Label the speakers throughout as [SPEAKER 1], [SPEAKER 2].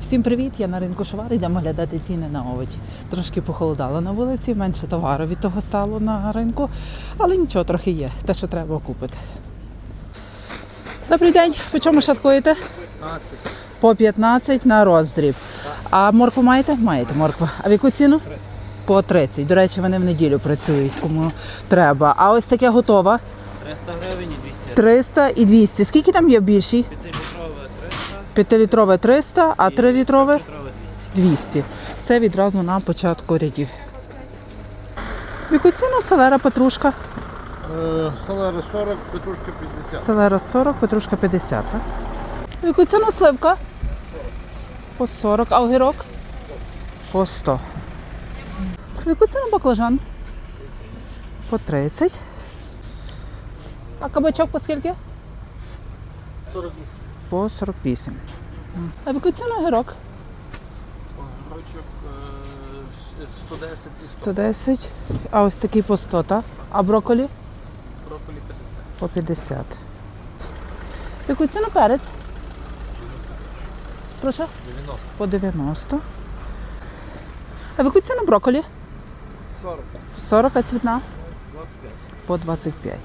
[SPEAKER 1] Всім привіт! Я на ринку Шовар, йдемо глядати ціни на овочі. Трошки похолодало на вулиці, менше товару від того стало на ринку, але нічого, трохи є, те, що треба купити. Добрий день, по чому шаткуєте?
[SPEAKER 2] 15.
[SPEAKER 1] По 15 на роздріб. А моркву маєте? Маєте моркву. А в яку ціну? По 30. До речі, вони в неділю працюють, кому треба. А ось таке готова?
[SPEAKER 2] 300 гривень і 200.
[SPEAKER 1] 300 і 200. Скільки там є в більшій?
[SPEAKER 2] 5-літрове 300.
[SPEAKER 1] 5-літрове 300, а 3-літрове?
[SPEAKER 2] 200.
[SPEAKER 1] 200. Це відразу на початку рядів. В яку ціну селера петрушка?
[SPEAKER 3] Селера 40, петрушка 50.
[SPEAKER 1] Селера 40, петрушка 50. Так? В яку ціну сливка? По 40. А огірок? По 100. В яку ціну баклажан? По 30. А кабачок по скільки?
[SPEAKER 3] 48.
[SPEAKER 1] По 48. А в яку ціну огірок?
[SPEAKER 3] Грочок 110 і 100.
[SPEAKER 1] 110. А ось такий по 100, так? А брокколі?
[SPEAKER 3] Брокколі 50.
[SPEAKER 1] По 50. В яку ціну перець? Прошу?
[SPEAKER 3] 90.
[SPEAKER 1] По 90. А в яку ціну брокколі?
[SPEAKER 3] 40.
[SPEAKER 1] 40, а цвітна?
[SPEAKER 3] 25.
[SPEAKER 1] По 25.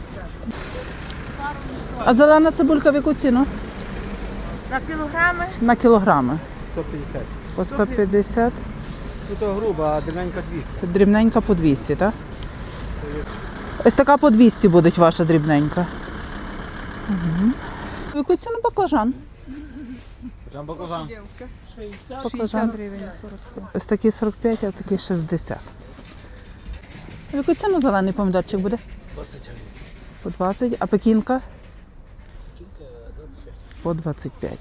[SPEAKER 1] А зелена цибулька в яку ціну?
[SPEAKER 4] На кілограми?
[SPEAKER 1] На кілограми.
[SPEAKER 3] 150.
[SPEAKER 1] По 150.
[SPEAKER 3] Ну то грубо, а дрібненька 200.
[SPEAKER 1] Дрібненька по 200, так? Ось така по 200 буде ваша дрібненька. Угу. В яку ціну баклажан?
[SPEAKER 3] Баклажан.
[SPEAKER 1] Баклажан. Ось такий 45, а такий 60. В яку ціну зелений помідорчик буде?
[SPEAKER 3] 20 гривень.
[SPEAKER 1] По 20. А пекінка?
[SPEAKER 3] Кілька 25.
[SPEAKER 1] По 25.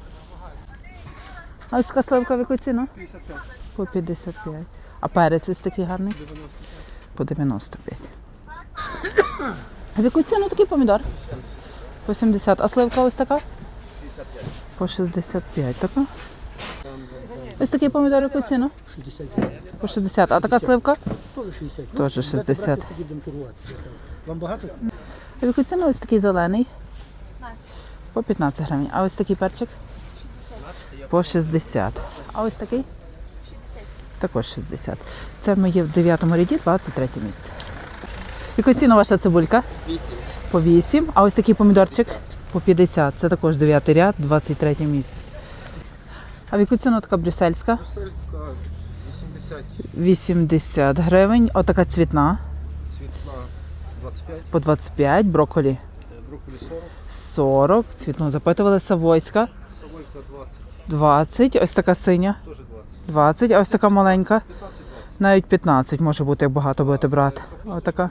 [SPEAKER 1] А ось така сливка в яку ціну?
[SPEAKER 3] 55.
[SPEAKER 1] По 55. А перець ось такий гарний?
[SPEAKER 3] 95.
[SPEAKER 1] По 95. А в яку ціну такий помідор? По 70. А сливка ось така?
[SPEAKER 3] 65.
[SPEAKER 1] По 65. Така? Ось такий помідор в яку ціну?
[SPEAKER 3] 60.
[SPEAKER 1] По 60. А така сливка?
[SPEAKER 3] Теж 60.
[SPEAKER 1] Теж 60.
[SPEAKER 3] Тоді будемо торгуватися. Вам багато?
[SPEAKER 1] А в яку ціну ось такий зелений? По 15 гривень. А ось такий перчик? По 60. А ось такий? Також 60. Це ми є в 9-му ряді, 23 місце. В яку ціну ваша цибулька?
[SPEAKER 3] 8.
[SPEAKER 1] По 8. А ось такий помідорчик? По 50. Це також 9-й ряд, 23 місце. А в яку ціну така брюссельська?
[SPEAKER 3] Селька 80.
[SPEAKER 1] 80 гривень. Отака цвітна.
[SPEAKER 3] Світла 25.
[SPEAKER 1] По 25. Брокколі
[SPEAKER 3] Брокколі 40.
[SPEAKER 1] 40. Цвітну запитували. Савойська
[SPEAKER 3] Савойка 20.
[SPEAKER 1] 20. Ось така синя.
[SPEAKER 3] Теж 20.
[SPEAKER 1] 20. А ось така маленька.
[SPEAKER 3] 15-20.
[SPEAKER 1] Навіть 15 може бути, як багато будете брати. Отака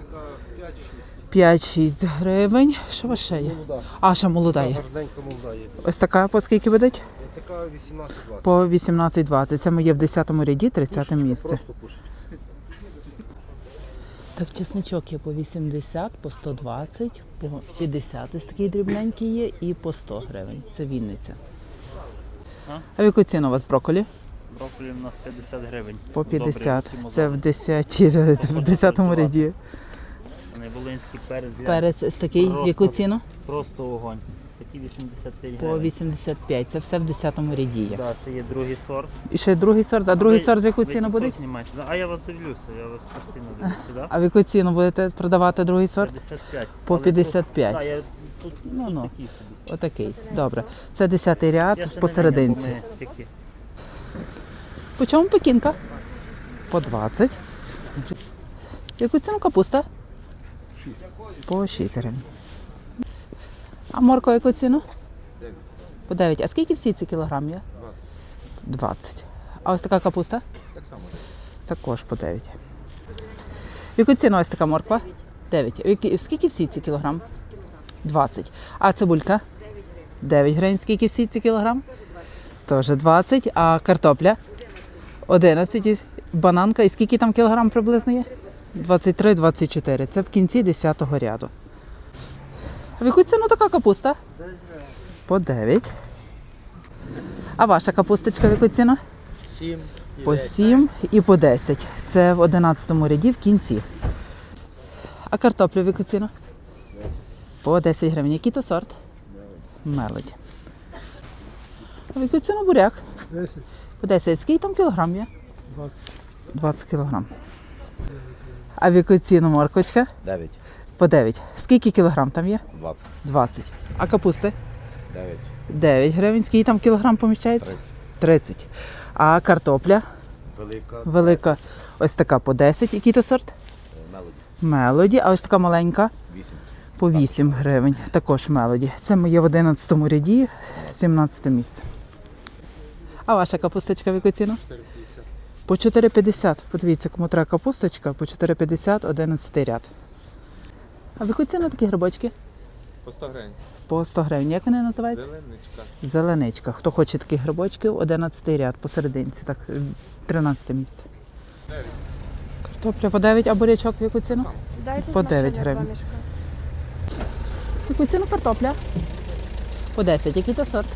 [SPEAKER 1] 5-6 гривень. Що у вас ще є?
[SPEAKER 3] Молода.
[SPEAKER 1] А, ще молода є.
[SPEAKER 3] Гарненька молода є.
[SPEAKER 1] Ось така по скільки видать?
[SPEAKER 3] Така 18-20.
[SPEAKER 1] По 18-20. Це ми є в 10-му ряді, 30 місце.
[SPEAKER 3] Просто кушать.
[SPEAKER 1] Так, чесничок є по 80, по 120, по 50. Ось такий дрібненький є і по 100 гривень. Це Вінниця. А в яку ціну у вас брокколі?
[SPEAKER 2] Брокколі у нас 50 гривень.
[SPEAKER 1] По 50.
[SPEAKER 2] Добрий,
[SPEAKER 1] Це в 10-му ряді.
[SPEAKER 2] Найволинський перець.
[SPEAKER 1] Перець ось такий. В яку ціну?
[SPEAKER 2] Просто огонь. Такі 85
[SPEAKER 1] По
[SPEAKER 2] гривень.
[SPEAKER 1] 85. Це все в 10-му ряді є.
[SPEAKER 2] Да, ще є другий сорт.
[SPEAKER 1] І ще другий сорт. А другий сорт в яку
[SPEAKER 2] Ви
[SPEAKER 1] ціну
[SPEAKER 2] також
[SPEAKER 1] буде?
[SPEAKER 2] знімаєте? Да, а я вас дивлюся, я вас постійно дивлюся, да?
[SPEAKER 1] А в яку ціну будете продавати другий сорт?
[SPEAKER 2] 55.
[SPEAKER 1] По
[SPEAKER 2] Але
[SPEAKER 1] 55.
[SPEAKER 2] Тут, да, я, тут,
[SPEAKER 1] Ну.
[SPEAKER 2] такий собі.
[SPEAKER 1] Отакий. Добре. Це 10-й
[SPEAKER 2] Я
[SPEAKER 1] ряд
[SPEAKER 2] ще не
[SPEAKER 1] посерединці.
[SPEAKER 2] знаю, бо ми тільки-
[SPEAKER 1] По чому пекінка? По 20. В яку ціну капуста? По 6 гривень. А морква в яку ціну? По 9. А скільки всі ці кілограм є? 20. А ось така капуста?
[SPEAKER 3] Так само.
[SPEAKER 1] Також по 9. В яку ціну ось така морква? 9. Скільки всі ці кілограм? 20. А цибулька? 9 гривень. Скільки всі ці кілограм? Теж 20. А картопля? 11. І бананка. І скільки там кілограм приблизно є? 23-24. Це в кінці 10-го ряду. В яку ціну така капуста? По 9. А ваша капусточка в яку ціну?
[SPEAKER 3] 7.
[SPEAKER 1] По 7 і по 10. Це в 11-му ряді в кінці. А картоплю в яку ціну? По 10 гривень. Який то сорт? Мелодь. А в яку ціну буряк?
[SPEAKER 5] 10,
[SPEAKER 1] По 10. Скільки там кілограм є?
[SPEAKER 5] 20.
[SPEAKER 1] 20 кілограм. А в яку ціну морквочка?
[SPEAKER 6] 9,
[SPEAKER 1] По 9. Скільки кілограм там є?
[SPEAKER 6] 20,
[SPEAKER 1] 20. А капусти?
[SPEAKER 6] 9,
[SPEAKER 1] 9 гривень. Скільки там кілограм поміщається?
[SPEAKER 6] 30.
[SPEAKER 1] 30. А картопля?
[SPEAKER 6] Велика.
[SPEAKER 1] Велика. Ось така по 10. Який то сорт?
[SPEAKER 6] Мелоді.
[SPEAKER 1] Мелоді. А ось така маленька?
[SPEAKER 6] 8.
[SPEAKER 1] По 8 гривень. Також мелоді. Це моє в 11 ряді, 17 місце. А ваша капусточка в яку ціну?
[SPEAKER 3] 4,50.
[SPEAKER 1] По 4,50. Подивіться, кому треба капусточка, по 4,50, 11 ряд. А в яку ціну такі грибочки?
[SPEAKER 3] По 100 гривень.
[SPEAKER 1] По 100 гривень. Як вони називаються?
[SPEAKER 3] Зеленичка.
[SPEAKER 1] Зеленичка. Хто хоче такі грибочки, 11 ряд посерединці, так, 13 місце. Картопля по 9, а бурячок в яку ціну?
[SPEAKER 4] Дайте
[SPEAKER 1] По
[SPEAKER 4] з машини
[SPEAKER 1] 9
[SPEAKER 4] два
[SPEAKER 1] гривень.
[SPEAKER 4] мішка.
[SPEAKER 1] В яку ціну картопля? По 10. Який то сорт?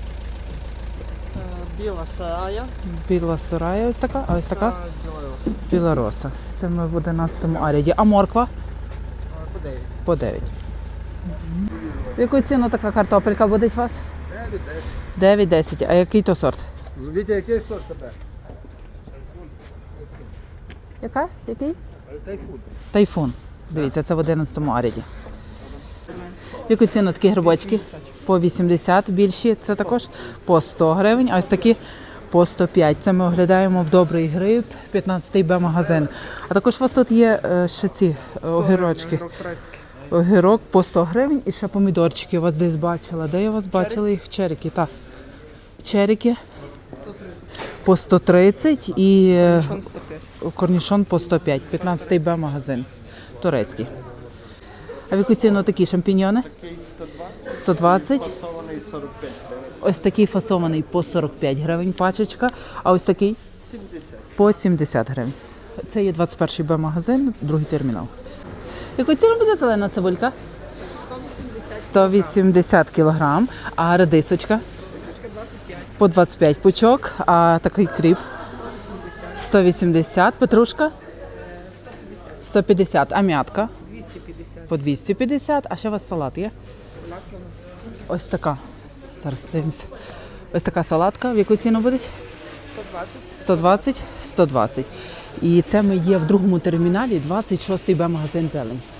[SPEAKER 7] Біла сарая.
[SPEAKER 1] Біла сорая ось така, а ось така?
[SPEAKER 7] Білоруса.
[SPEAKER 1] Білороса. Це ми в 11 аряді. А морква?
[SPEAKER 7] По 9.
[SPEAKER 1] По 9. В яку ціну така картопелька буде у вас? 9-10. А який то сорт?
[SPEAKER 5] Вітя, який сорт тебе?
[SPEAKER 1] Яка? Який?
[SPEAKER 5] Тайфун.
[SPEAKER 1] Тайфун. Дивіться, це в 11 аряді. В яку ціну такі грибочки? По 80 більші. Це також по 100 гривень. А ось такі по 105. Це ми оглядаємо в Добрий Гриб, 15-й Б-магазин. А також у вас тут є ще ці огірочки. Огірок по 100 гривень і ще помідорчики я вас десь бачила. Де я вас бачила їх? Черіки, так. Черіки по 130 і корнішон по 105. 15-й Б-магазин. Турецький. А в яку ціну такі шампіньйони? 120. Ось такий фасований по 45 гривень пачечка. А ось такий? По 70 гривень. Це є 21-й Б-магазин, другий термінал. Яку ціну буде зелена цибулька? 180 кілограм. А редисочка? По 25 пучок. А такий кріп? 180. Петрушка? 150. А м'ятка? 250. По 250. А ще у вас салат є? Ось така. Зараз дивимося. Ось така салатка. В яку ціну буде? 120. 120. І це ми є в другому терміналі, 26-й Б-магазин «Зелень».